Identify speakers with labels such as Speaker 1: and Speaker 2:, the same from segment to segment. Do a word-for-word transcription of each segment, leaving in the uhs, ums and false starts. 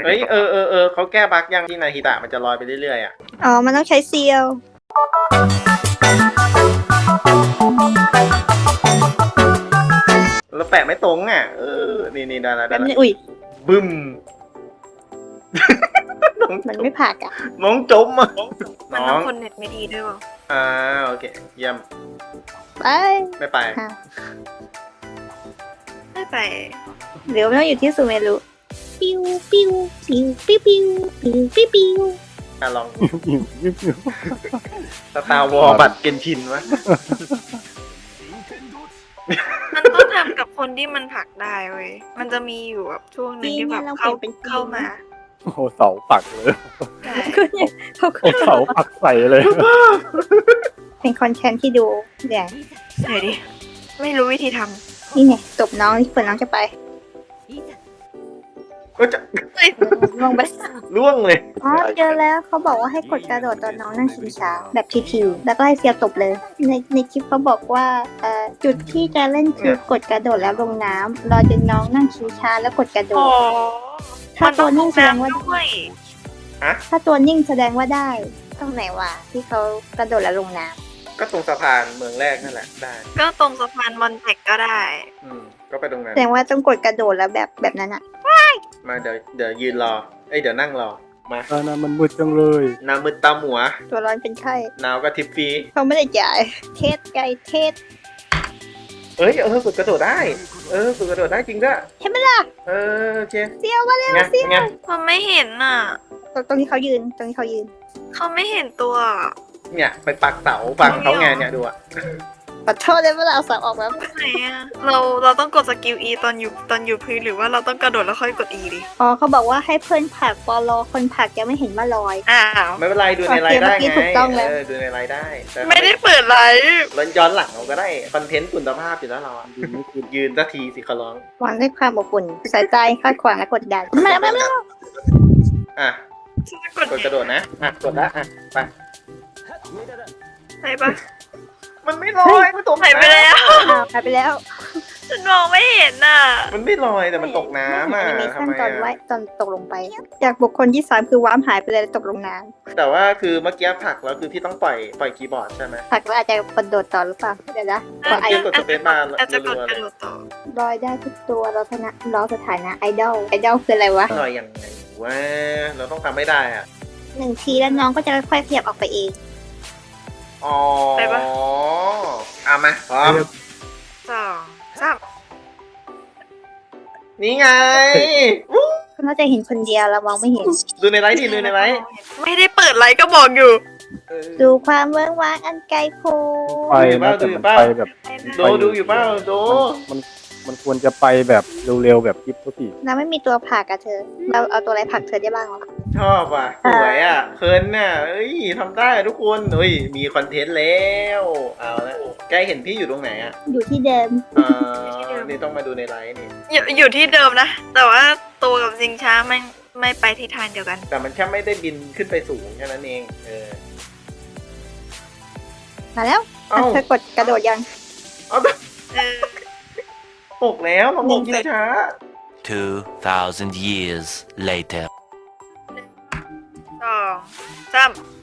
Speaker 1: เฮ้ยเออเออเออเขาแก้บั๊กยังที่นาฮิตะมันจะลอยไปเรื่อยๆอ่ะ
Speaker 2: อ๋อมันต้องใช้เซียว
Speaker 1: แล้วแปะไม่ตรงอ่ะเออนี่นี่ได้แล้ว
Speaker 2: แป๊
Speaker 1: ได้
Speaker 2: บนึ
Speaker 1: แล้ว
Speaker 2: งอุ้ย
Speaker 1: บึ้ม
Speaker 2: มันไม่ผักอ่ะ
Speaker 1: น้องจมอ่ะ
Speaker 3: มัน
Speaker 1: น้
Speaker 3: ต้
Speaker 1: อ
Speaker 3: อง งคนเน็ตไม่ดีด้วยวะ
Speaker 1: อ่าโอเคเยี่ยม
Speaker 2: ไป
Speaker 1: ไม่ไป
Speaker 2: ค่ะ
Speaker 3: ไม่ไป
Speaker 2: เดี๋ยวมันต้องอยู่ที่ซูเมรุปิ้วปิ้วปิ้วปิ้วปิ้วปิ้วปิ้วปิ้ว
Speaker 1: อ่ะลองสตาร์วอลบัตรเกนชินวะ
Speaker 3: มันต้องทำกับคนที่มันผลักได้เว้ยมันจะมีอยู่แบบช่วงหนึงที่แบบเข้าเข้ามา
Speaker 4: โอ้โหเสาปักเลย
Speaker 3: ใช่
Speaker 2: ก็เนี่ยเขาก็
Speaker 4: โอ้เสาปักใส่เลย
Speaker 2: เป็นคอนเทนต์ที่ดูเนี่ย
Speaker 3: ไหนดิไม่รู้วิธีท
Speaker 2: นี่ไงตบน้องที่เปิดน้องจะไป
Speaker 1: ก็จะ
Speaker 3: ำเฮ้ย
Speaker 2: ลงไป
Speaker 1: ล่วงเลย
Speaker 2: อ๋อเจอแล้วเขาบอกว่าให้กดกระโดดตอนน้องนั่งชิงช้าแบบทิวๆแล้วก็ให้เซียวตบเลย ในในคลิปเขาบอกว่าเอ่อจุดที่จะเล่นคือกดกระโดดแล้วลงน้ำรอจนน้องนั่งชิงช้าแล้วกดกระโด
Speaker 3: โอ้
Speaker 2: ด ถ้าตัวนิ่งแสดงว่า
Speaker 3: ด้วย
Speaker 2: ถ้าตัวนิ่งแสดงว่าได้ตรงไหนวะที่เขากระโดดแล้วลงน้
Speaker 1: ก็ตรงสะพานเมืองแรกนั่นแหละได้
Speaker 3: ก็ตรงสะพานมอนแทกก็ได้
Speaker 1: อืมก็ไปตรงนั้
Speaker 2: ำ
Speaker 1: น
Speaker 2: แสดงว่าต้องกดกระโดดแล้วแบบแบบนั้นอะ
Speaker 1: มาเดี๋ยวเดี๋ยวยืนรอเอ้ยเดี๋ยวนั่งรอมา
Speaker 4: ตอนนั้นมันมืดจังเลย
Speaker 1: น้ำมืดตาหมัว
Speaker 2: ตัวร้อนเป็นไข้
Speaker 1: หนาวก็ทิปฟรี
Speaker 2: เขาไม่ได้จ่ายเทสไก่เทส
Speaker 1: เอ้ยเออกดกระโดดได้ เออกดกระโดดได้จริงด้วย
Speaker 2: ใช่ไหมล่ะ
Speaker 1: เออโอเค
Speaker 2: เซียวมาเร็ว
Speaker 1: ไง
Speaker 2: เซียว
Speaker 1: ไง
Speaker 3: มันไม่เห็นน่ะ
Speaker 2: ตรงตรงที่เขายืนตรงที่เขายืน
Speaker 3: เขาไม่เห็นตัว
Speaker 1: เนี่ยไปปักเสาปักเขาไงเนี่ยดูอ่ะ
Speaker 2: ขอโทษเลยเวลาเอาสับออกแบบ
Speaker 3: ไหนอะเราเราต้องกดสกิล E ตอนอยู่ตอนอยู่พื้นหรือว่าเราต้องกระโดดแล้วค่อยกด E ดิ
Speaker 2: อ๋อเขาบอกว่าให้เพื่อนผลักปอลอคนผลักยังไม่เห็นว่าลอย
Speaker 3: อ้าว
Speaker 1: ไม่เป็นไรดูในไลน์ได้
Speaker 2: โอเค
Speaker 1: ไง
Speaker 2: เมื่อกี้ถูกต้องแล้ว
Speaker 1: เออดูในไลน์ได้แต่
Speaker 3: ไม่ได้เปิดไลฟ์
Speaker 1: เราย้อนหลังเราก็ได้คอนเทนต์คุณภาพอยู่แล้วเราอะ
Speaker 4: ยืนไม่ขึ้น
Speaker 1: ยืนสักทีสิขอร้อง
Speaker 2: วางด้วยความอบอุ่นสายใจคาดขวางและกดดันมาแล้วมาแล้ว
Speaker 1: อ่ะ
Speaker 3: ฉันจะกด
Speaker 1: กดกระโดดนะอ่ะกดละอ่ะไป
Speaker 3: ใช่ปะ
Speaker 1: มันไม่ลอยมันตก
Speaker 3: หายไปแล้ว
Speaker 2: อ้าวหายไปแล้ว
Speaker 3: ฉันมองไม่เห็นน่ะ
Speaker 1: มันไม่ลอยแต่มันตกน้ำอ่ะ
Speaker 2: ไม่เห็น
Speaker 1: ทำ
Speaker 2: แอนิ
Speaker 1: ไม
Speaker 2: เมชั่นตอนไว้
Speaker 1: อ่ะ
Speaker 2: ตอนตกลงไป จากบุคคลที่สามคือว้ามหายไปเลยแล้วตกลงน้
Speaker 1: แต่ว่าคือเมื่อกี้ผลักแล้วคือพี่ต้องปล่อยปล่อยคีย์บอร์ดใช่ไหม
Speaker 2: ำผลักแล้วอาจจะกระโดดต่อหรือเปล่าเดี๋ยวนะกดไอ
Speaker 1: กดสเปซบาร์
Speaker 3: อาจจะกด
Speaker 1: รัวๆ
Speaker 3: กระโดดต่อ
Speaker 2: ลอยได้ทุกตัวเราชนะล้อสถานะไอดอลไอดอลคืออะไรวะ
Speaker 1: ลอยยังไงวะเราต้องทำไม่ได้อ่ะ
Speaker 2: หนึ่งทีแล้วน้องก็จะค่อยๆขยับออกไปเอง
Speaker 1: อ๋อเอามาพร้อม
Speaker 3: สองสาม
Speaker 1: นี่ไง
Speaker 2: เขาน่าจะเห็นคนเดียวเรามองไม่เห็น
Speaker 1: ดูในไลฟ์ดิดูในไลฟ์
Speaker 3: ไม่ได้เปิดไลฟ์ก็บอกอยู่
Speaker 1: เออ
Speaker 2: ดูความเวิ้งว้างอันไกลโพ้
Speaker 4: ไปนะแต่มันไปแบบ
Speaker 1: โดดูอยู่เปล่าโด
Speaker 4: มันมันควรจะไปแบบเร็วๆแบบคลิปทุกที
Speaker 2: เราไม่มีตัวผลักอะเธอ เราเอาตัวอะไรผลักเธอได้บ้างวะ
Speaker 1: ชอบอ่ะสวยอ่ะเคิร์นน่ะเอ้ยทำได้ทุกคนเฮ้ยมีคอนเทนต์แล้วเอาละใกล้เห็นพี่อยู่ตรงไหนอ่ะ
Speaker 2: อยู่ที่เดิม
Speaker 1: อ่านี่ต้องมาดูในไลฟ์นี่
Speaker 3: อยู่อยู่ที่เดิมนะ แต่ว่าตัวกับซิงช้าไม่ไม่ไปทิศทางเดียวกัน
Speaker 1: แต่มันแค่ไม่ได้บินขึ้นไปสูงแค่นั้นเองเออ
Speaker 2: มาแล้ว
Speaker 1: เอ้า
Speaker 2: เธอกดกระโดดยัง
Speaker 1: เอา
Speaker 3: เออ
Speaker 1: ตกแล้วลองลงช้า
Speaker 5: Two thousand years later.
Speaker 3: สองสาม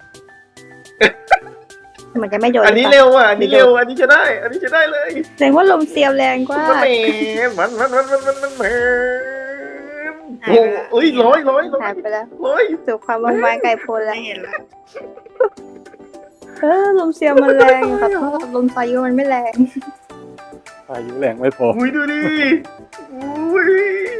Speaker 2: เหมือนจะไม่โดน
Speaker 1: อันนี้
Speaker 2: หรือปล่า
Speaker 1: เร็วอ่ะอันนี้เร็วอันนี้จะได้ อันนี้จะได้เลย
Speaker 2: แสดงว่าลมเซียวแรงกว่า
Speaker 1: มันมันมันมันมันมันมันมันโอ้เอ้ยร้อยร้อยร้อ
Speaker 2: หาย ยไปแล้ว
Speaker 1: ร้อย
Speaker 2: สู่ความว่างไวไกลโพ้นแล้ว
Speaker 3: ไม่เห็นละ
Speaker 2: เออลมเซียวมันแรงขอโทษลมพายุมันไม่แรง
Speaker 4: พายุแรงไม่พอ
Speaker 1: อุ้ยดูดิอุ้ย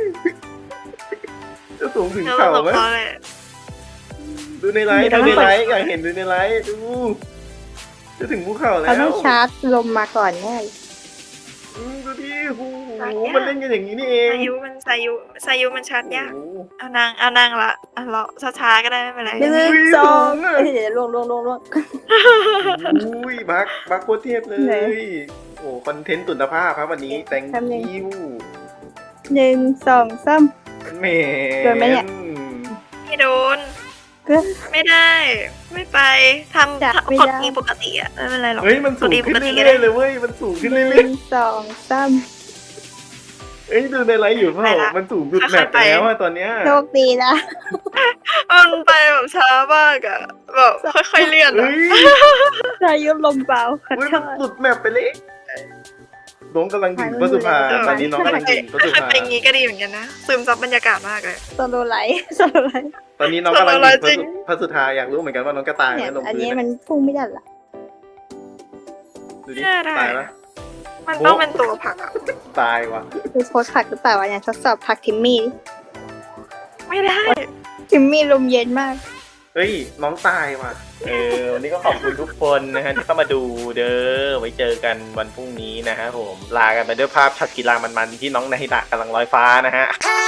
Speaker 1: จะสูงถึง
Speaker 3: แล้ว
Speaker 1: เข่า
Speaker 3: หลบ
Speaker 1: ไหม
Speaker 3: เขาเลย
Speaker 1: ดูในไลฟ์ดูในไลฟ์อยากเห็นดูในไลฟ์ดูจะถึงภูเขาแล้
Speaker 2: เขาต้อ
Speaker 1: ว
Speaker 2: งชาร์จลมมาก่อนแน่
Speaker 1: อืมดูดิโอ้โหมันเล่นกันอย่างนี้นี่เอง
Speaker 3: สายุมันสายุสายุมันชัดยาก
Speaker 1: โอ้โห
Speaker 3: เอานางเอานางละเอาเราช้าๆก็ได้ไม่เป็นไร
Speaker 2: หนึ่ง
Speaker 1: อุ้ย
Speaker 2: สอง
Speaker 1: สูงอะ
Speaker 2: เอ้ยเดี๋ยวลวงลวงลวงลวง
Speaker 1: อุ้ยบักบักโคตรเทพเล
Speaker 2: ไหน
Speaker 1: ยโอ้คอนเทนต์ตุนภาพครับวันนี้แต่ง
Speaker 2: แป๊บนึง
Speaker 1: คิว
Speaker 2: หนึ่งสองสาม
Speaker 1: แหม
Speaker 2: โดนไหมเนี่ย
Speaker 3: ไม่โดน
Speaker 2: ก็
Speaker 3: ไม่ได้ ไม่ไปทำ
Speaker 2: จะ
Speaker 3: ทำ
Speaker 2: ไม่
Speaker 3: กด
Speaker 2: ได้
Speaker 3: อีปกติอะไม่เป็นไรหรอก
Speaker 1: เฮ้ยมันสูง
Speaker 3: กด E
Speaker 1: ขึ้น
Speaker 3: ปกติก็
Speaker 1: เรื่
Speaker 3: ได้
Speaker 1: อยๆเลยเว้ยมันสูงขึ้น
Speaker 2: ห
Speaker 1: เรื่
Speaker 2: นึ่
Speaker 1: อย
Speaker 2: งสองสาม
Speaker 1: ๆเอ้ยดูในไลฟ์อยู่เปล่ามันสูงสุดแมปไปแล้วอะตอนเนี้ย
Speaker 2: โชคดีนะ
Speaker 3: มันไปแบบช้ามากอะแบบค่อยๆเลื่อนอะ
Speaker 1: เฮ้ย
Speaker 2: พายุลมเบาขอ
Speaker 1: เฮ้ย
Speaker 2: โท
Speaker 1: มัน
Speaker 2: ษ
Speaker 1: สุดแมปไปเลยน้องกำลังถึงพระสุภาตอนนี้น้องกำลังถึงพระสุ
Speaker 3: ค่อย
Speaker 1: ภา
Speaker 3: ๆไปอย่างงี้ก็ดีเหมือนกันนะซึมซับบรรยากาศมากเลย
Speaker 2: โซโลไลท์โซโลไลท์
Speaker 1: ตอนนี้น้องกำลัง
Speaker 3: สโลว์ไลฟ์
Speaker 1: ถึง
Speaker 3: จริง
Speaker 1: พระสุธาอยากรู้เหมือนกันว่าน้องกระตายไห
Speaker 2: เนี่
Speaker 1: ม
Speaker 2: ย
Speaker 1: ลง
Speaker 2: อัน
Speaker 1: พื้
Speaker 2: นี้
Speaker 1: น
Speaker 2: มันพุ่งไม่ได้ละ
Speaker 1: ดูดิ
Speaker 3: แย่ได้
Speaker 1: ตายปะ
Speaker 3: มันต้องเป็นตัวผักอะ
Speaker 1: ตายว่ะ
Speaker 2: คือโพสต์ผักหรือเปล่าวะเนี่ยทดสอบผักทิมมี่
Speaker 3: ไม่ได้
Speaker 2: ทิมมี่ลมเย็นมาก
Speaker 1: เฮ้ยน้องตายว่ะเออวันนี้ก็ขอบคุณทุกคนนะฮะที่เข้ามาดูเด้อไว้เจอกันวันพรุ่งนี้นะฮะผมลากันไปด้วยภาพช็อตกีฬามันๆที่น้องนาฮิตะกำลังลอยฟ้านะฮะ